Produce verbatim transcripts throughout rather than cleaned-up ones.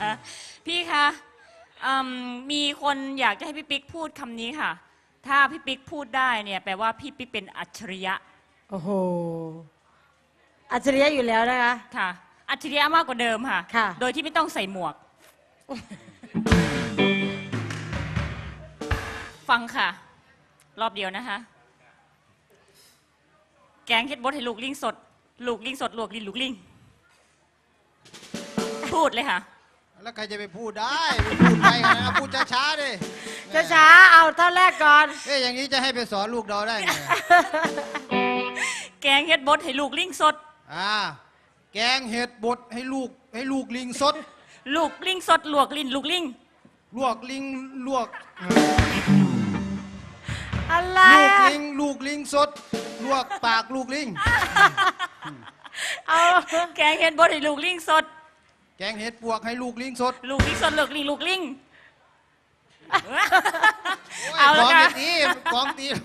พี่คะมีคนอยากจะให้พี่ปิ๊กพูดคำนี้ค่ะถ้าพี่ปิ๊กพูดได้เนี่ยแปลว่าพี่ปิ๊กเป็นอัจฉริยะโอ้โหอัจฉริยะอยู่แล้วนะคะค่ะอัจฉริยะมากกว่าเดิมค่ะค่ะโดยที่ไม่ต้องใส่หมวก ฟังค่ะรอบเดียวนะคะแกงเฮ็ดบดให้ลูกลิงสดลูกลิงสดลวกลินลูกลิงพูดเลยค่ะแล้วใครจะไปพูดได้ไปพูดไปกันนะพูดช้าๆดิช้าๆเอาเท่าแรกก่อนเอ๊ะอย่างนี้จะให้ไปสอนลูกเราได้ไงแกงเฮ็ดบดให้ลูกลิงสดอ่าแกงเห็ดบดให้ลูกให้ลูกลิงสดลูกลิงสดลวกลินลูกลิงลวกลิงลวกอะไรลูกลิงลูกลิงสดลวกปากลูกลิงเอาแกงเห็ดบดให้ลูกลิงสดแกงเห็ดปวกให้ลูกลิงสดลูกลิงสดลูกลิงลูกลิงเอาละค่ะตีกองตี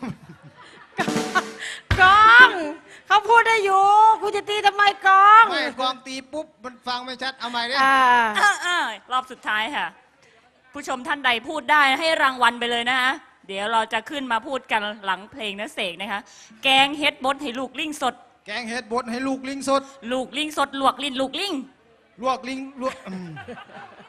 กองเขาพูดได้อยู่คุณจะตีทำไมกองไม่กองตีปุ๊บมันฟังไม่ชัดเอาใหม่ดิรอบสุดท้ายค่ะผู้ชมท่านใดพูดได้ให้รางวัลไปเลยนะคะเดี๋ยวเราจะขึ้นมาพูดกันหลังเพลงนะเสกนะคะแกงเห็ดบดให้ลูกลิงสดแกงเห็ดบดให้ลูกลิงสดลูกลิงสดลวกลินลูกลิงลวกลิงลวก